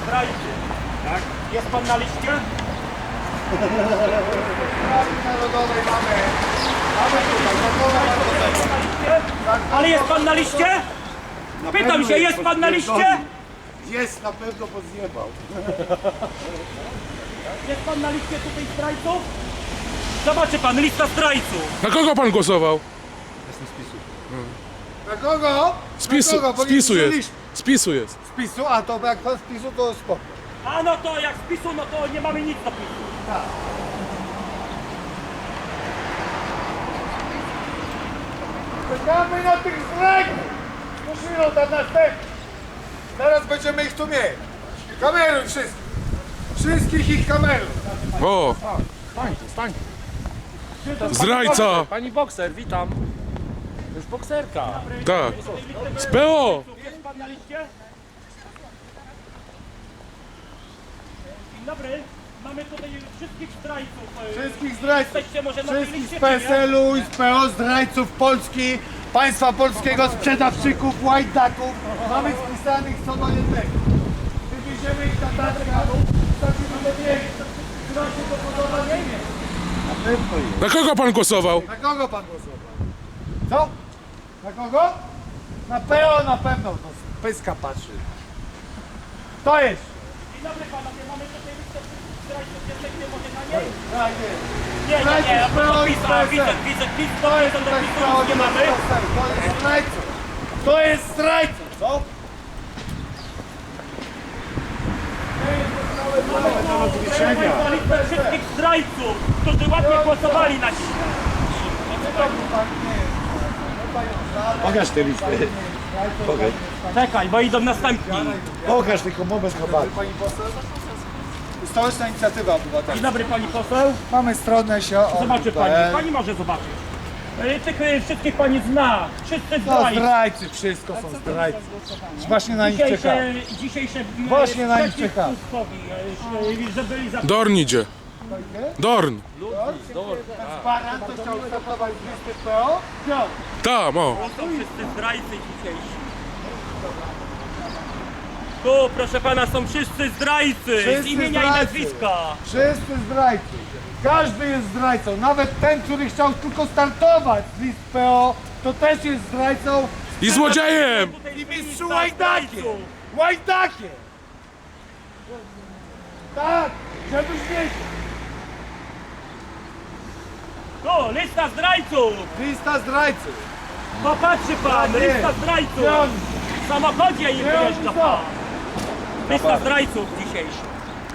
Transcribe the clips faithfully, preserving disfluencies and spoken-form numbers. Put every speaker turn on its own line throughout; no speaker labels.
zdrajcy. Tak? Jest pan na liście?
Narodowej mamy. Mamy tutaj,
Ale jest pan na liście? Pytam się, jest pan na liście?
Jest, na pewno pozjebał.
Jest pan na liście tutaj zdrajców? Zobaczy pan, lista zdrajców.
Na kogo pan głosował?
Na kogo?
Spisu,
na kogo? Bo nie
spisu jest.
słyszeliśmy.
Spisu jest.
Spisu? A to jak pan spisu, to spoko.
A no to jak spisu, no to nie mamy nic do pisu.
Czekamy na tych zdrajców! Musimy tam następny. Zaraz będziemy ich tu mieć. Kameruj wszystkich. Wszystkich ich kameruj.
O,
Stańcie, stańcie.
zdrajca.
Pani bokser, witam. To jest bokserka.
Tak. Z P O.
Jest pan na liście? Dzień dobry. Mamy tutaj wszystkich zdrajców.
Wszystkich zdrajców.
Jesteście może na tej
Wszystkich
liście,
z P S
czy nie?
L u i z P O, zdrajców Polski, państwa polskiego, sprzedawczyków, łajdaków. Mamy spisanych co do jednego. Wywieziemy ich na taczkach, wstawimy do miejsca. Czy wam się to podoba? Nie wiem. Na pewno jest.
Na kogo pan głosował?
Na kogo pan głosował? Co? Na kogo? Na P O na pewno. No, z pyska patrzy. To jest.
Dzień dobry panowie, mamy tutaj listę wszystkich zdrajców. Jesteście może na niej?
Tak jest.
Nie, nie, nie. A propos PiS-a, widzę, widzę, PiS, to jest do PiS-u, nic nie mamy.
To jest zdrajcą. To jest zdrajcą, co?
Na listę wszystkich zdrajców, którzy ładnie głosowali na dziś.
Pokaż te listy. Pokaż.
Czekaj, bo idą następni.
Pokaż tylko moment chyba. Stołeczna Inicjatywa
Dzień
Obywatelska.
dobry pani poseł.
Mamy stronę się o.
Zobaczy pani, pani może zobaczyć. E, Tych e, wszystkich pani zna. Wszyscy
No
zdrajcy.
zdrajcy, wszystko są zdrajcy. Właśnie na nich czekamy.
Dzisiejsze, dzisiejsze e,
Właśnie na nich
przeciw
czekamy.
Tuskowi, e, e, że byli za...
Dorn idzie. Dorn.
Baran to chciał startować z listy P O? Chciał.
Tam, o.
To są wszyscy zdrajcy dzisiejsi. Tu, proszę pana, są wszyscy zdrajcy.
Wszyscy
z imienia
zdrajcy.
i nazwiska.
Wszyscy zdrajcy. Każdy jest zdrajcą. Nawet ten, który chciał tylko startować z list P O, to też jest zdrajcą
I złodziejem.
Tutaj
i
jest
mistrzu
lista
łajdakiem.
zdrajców.
Łajdakiem. Tak, żebyś wiedział.
Tu, lista zdrajców.
Lista zdrajców.
Popatrzy pan,
Tak jest.
lista zdrajców.
Gdzie on?
W samochodzie im
Gdzie oni
wyjeżdża
są?
pan. Lista zdrajców dzisiejszych.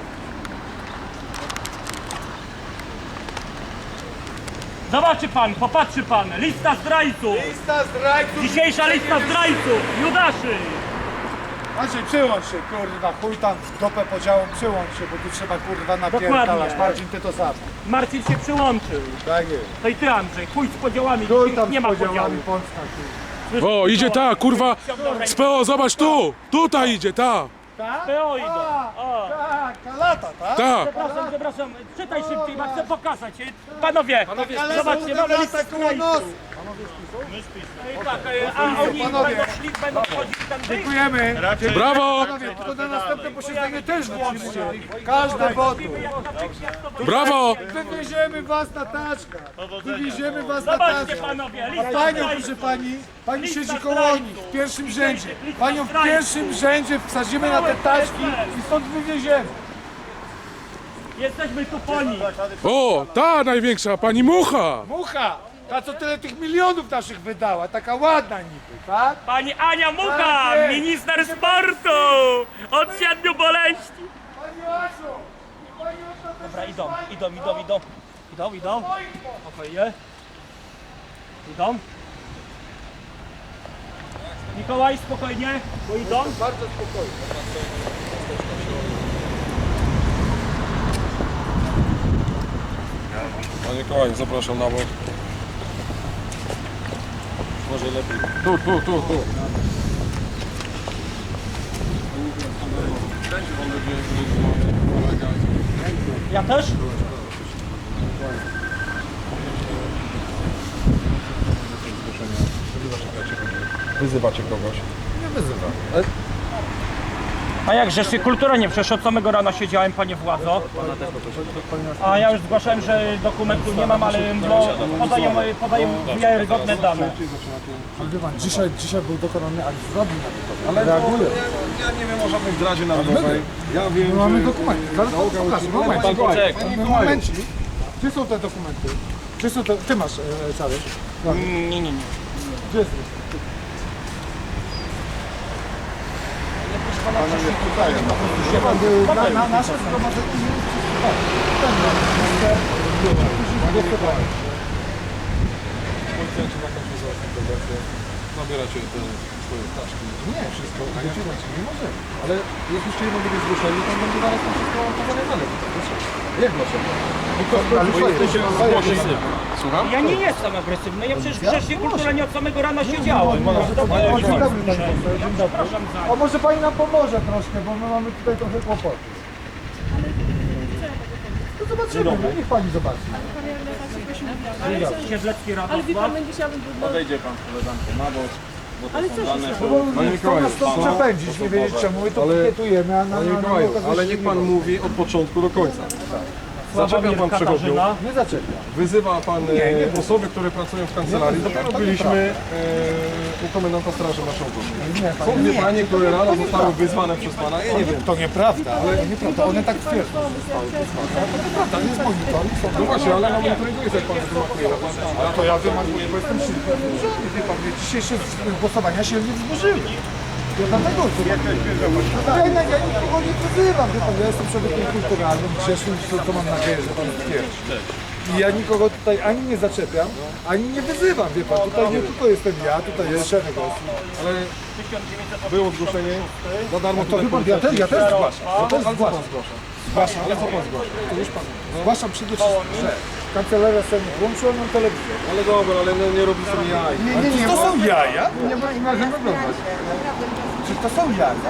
Zobaczy pan, popatrzy pan, lista zdrajców.
Lista zdrajców.
Dzisiejsza lista zdrajców, Judaszy.
Andrzej, przyłącz się, kurwa, chuj tam w dopę podziałą, przyłącz się, bo tu trzeba, kurwa, napierdalać.
Dokładnie.
Marcin, ty to sam.
Marcin się przyłączył.
Tak jest.
To i ty, Andrzej, chuj z podziałami,
Chuj
dzisiaj
tam
nie
z
ma
podziałami
podziału.
Polska, kurwa.
O, idzie ta, kurwa. Z P O, zobacz tu. Tutaj idzie, ta.
Tak?
P O idą.
A,
O.
tak, kalata, tak?
Ta.
Przepraszam, przepraszam, czytaj szybciej, bo chcę pokazać. Panowie,
Ale
zobaczcie, mamy listę
lata koło nos.
zdrajców. Tak, a oni
Panowie.
będą szli, będą wchodzić tam wyjść.
Dziękujemy.
Brawo.
Panowie, tylko na następne posiedzenie też włączcie. Każde wodu.
Brawo.
Wywieziemy was na taczkach. Wywieziemy was na
Zobaczcie
taczkach.
panowie,
A
lista
panią,
zdrajców.
proszę pani, pani
Lista
siedzi koło
zdrajców.
nich w pierwszym
Lista
rzędzie.
zdrajców.
Panią w pierwszym rzędzie wsadzimy na te taczki i stąd wywieziemy.
Jesteśmy tu po nich.
O, ta największa, pani Mucha.
Mucha! Ta, co tyle tych milionów naszych wydała, taka ładna niby, tak?
Pani Ania Mucha,
Tak jest.
minister sportu od siedmiu boleści.
Pani Asiu! Pani Asiu, to
Dobra, idą, idą, idą, idą. Idą, idą. Spokojnie. Idą. Mikołaj, spokojnie, bo idą.
bardzo spokojnie.
Panie Kołań, zapraszam na bok. Może lepiej. Tu, tu, tu, tu.
Ja też?
Wyzywacie kogoś.
Nie wyzywam.
A jak żeście kultura nie przecież od samego rana siedziałem, panie władzo. A ja już zgłaszałem, że dokumentu nie mam, ale no, podaję, podaję wiarygodne dane.
Ale wie pan, dzisiaj, dzisiaj był dokonany akt zbrodni na to.
Ale
Reaguję.
ja, ja nie wiem o żadnej zdradzie narodowej. Ja wiem,
My mamy
że...
dokumenty. Zaraz pan pokażę. Momencik. Momencik. Gdzie są te dokumenty? Gdzie są te... Ty masz, e, Czarek?
Nie, nie, nie.
Gdzie jest? Wie pan, y, na, na, nasze zgromadzenie nie jest wszystko. Ten ma minister, jest to
Policjanci na końcu zaraz wersję. Nabieracie te swoje ptaszki.
Nie, wszystko wyciągnąć nie możemy. Ale jak już jedno będzie zgłoszenie, to będzie zaraz to wszystko pozamiatane. Jak dlaczego? Ale
Bo jesteście zgłoszeni. Słucham?
Ja nie jestem agresywny, ja przecież grzecznie kulturalnie od samego rana siedziałem.
Dzień dobry, panie poseł, dzień dobry.
Przepraszam za...
O, może pani nam pomoże troszkę, bo my mamy tutaj trochę kłopoty. No zobaczymy, no, niech pani zobaczy.
Siedlecki
Ale wie
Radosław.
pan, będzie chciałabym...
Podejdzie pan z koleżanką na bok.
Ale co się
No
stało?
bo chcą nas stąd przepędzić, nie wiedzieć czemu, my to pikietujemy, a na,
Panie
na, na,
Mikołaju,
na
ale niech pan mówi od początku do końca. Zaczepia pan przechodniów,
Katarzyna.
Nie zaczepia.
wyzywa pan e, osoby, które pracują w kancelarii. Dopiero byliśmy e, u komendanta Straży Marszałkowskiej.
Nie,
Są
panie,
dwie panie, które rano zostały wyzwane przez pana. Ja nie wiem.
to nieprawda, ale to nieprawda, one tak twierdzą. To nieprawda, jest monitoring, są
No właśnie, ale na monitoringu jest jak pan wymakuje.
A to ja wymaguję, bo jestem silny wzburzony. Wie pan, dzisiejsze głosowania się nie wzburzyły. Ja dlatego to ja, ja, ja nikogo nie wyzywam, wie pan, ja jestem człowiekiem kulturalnym, grzesznym, to, to mam nadzieję, że pan stwierdzi. I ja nikogo tutaj ani nie zaczepiam, ani nie wyzywam, wie pan, tutaj nie tylko jestem ja, tutaj jest szereg osób.
Ale było zgłoszenie za darmo.
To wie pan, ja też, ja też zgłaszam, ja też
Ale co pan
zgłaszam.
zgłasza?
Zgłaszam, ale co pan zgłasza? To już pan. Zgłaszam przede wszystkim, że kancelaria Sejmu włączyła nam telewizję.
Ale dobra, ale no, nie robi sobie jaj.
Nie, nie, nie, to są jaja? Nie ma inaczej oglądać. Czy to są jaja?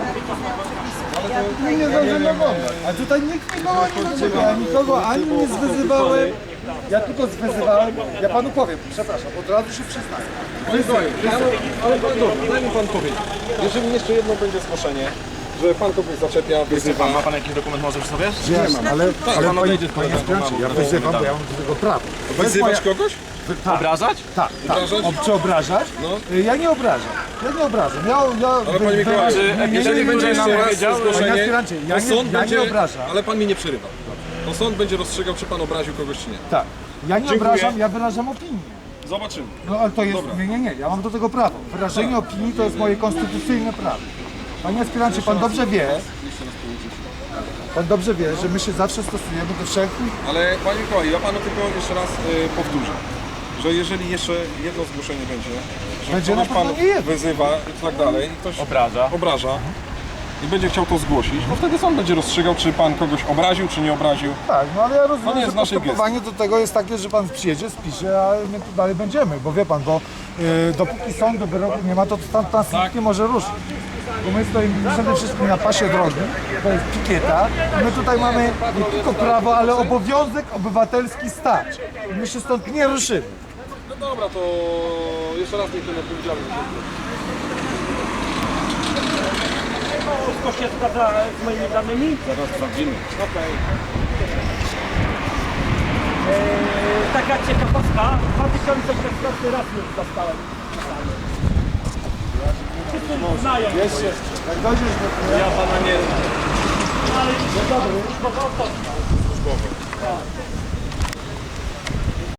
Nie, nie zdążymy oglądać. A tutaj nikt nikogo nie zaczepia, ja nikogo ani nie zwyzywałem. Ja tylko zwyzywałem. Ja panu powiem, przepraszam, od razu się przyznaję.
Panie Mikołaju, ja, ale pan dobra, daj mi pan powiedzieć. Jeżeli jeszcze jedno będzie zgłoszenie, że pan kogoś zaczepia, wyzywa. Ma pan jakiś dokument może przy sobie?
Nie mam, ale, ale
pan
panie,
odejdzie z
panie
koleżanką
Spraczy,
na
ja
bok.
wyzywam, bo ja mam do tego prawo. To jest
Wyzywać
moja-
kogoś?
Tak.
Obrażać?
Tak, tak.
Obrażać?
O, czy obrażać?
No.
Ja nie obrażam. Ja nie obrażam. Ja, ja,
Ale panie Mikołaju, jeżeli będzie jeszcze raz
Panie
zgłoszenie,
aspirancie, ja
to
nie-
sąd
ja nie
będzie...
obrażam.
Ale pan mi nie przerywa. To sąd będzie rozstrzygał, czy pan obraził kogoś, czy nie.
Tak. Ja nie
Dziękuję.
obrażam, ja wyrażam opinię.
Zobaczymy.
No ale to jest.
Dobra.
Nie, nie, nie. Ja mam do tego prawo. Wyrażenie opinii to jest moje konstytucyjne prawo. Panie aspirancie, pan dobrze wie. Pan dobrze wie, że my się zawsze stosujemy do wszelkich.
Ale panie Mikołaju, ja panu tylko jeszcze raz y, powtórzę, że jeżeli jeszcze jedno zgłoszenie będzie, że
Będzie na
kogoś pan
pewno nie jedno.
wyzywa i tak dalej, i ktoś
Obraża.
obraża i będzie chciał to zgłosić, no wtedy sąd będzie rozstrzygał, czy pan kogoś obraził, czy nie obraził.
Tak, no ale ja rozumiem,
nie
że
jest naszej
postępowanie do tego jest takie, że pan przyjedzie, spisze, a my tu dalej będziemy, bo wie pan, bo y, dopóki sądu wyroku nie ma, to tam pan tak. nie może ruszyć. Bo my stoimy przede wszystkim na pasie drogi, to jest pikieta. I my tutaj mamy nie tylko prawo, ale obowiązek obywatelski stać. I my się stąd nie ruszymy.
No dobra, to jeszcze raz niech ten odpowiedzialny.
Wszystko się zgadza z moimi danymi?
Zaraz sprawdzimy.
Okej. Eee, taka ciekawostka, dwa tysiące szesnasty raz już dostałem. Wszyscy znają.
Jeszcze, jak dojdziesz do...
Ja pana nie...
Ale już dobry. Służbowo to.
Służbowy.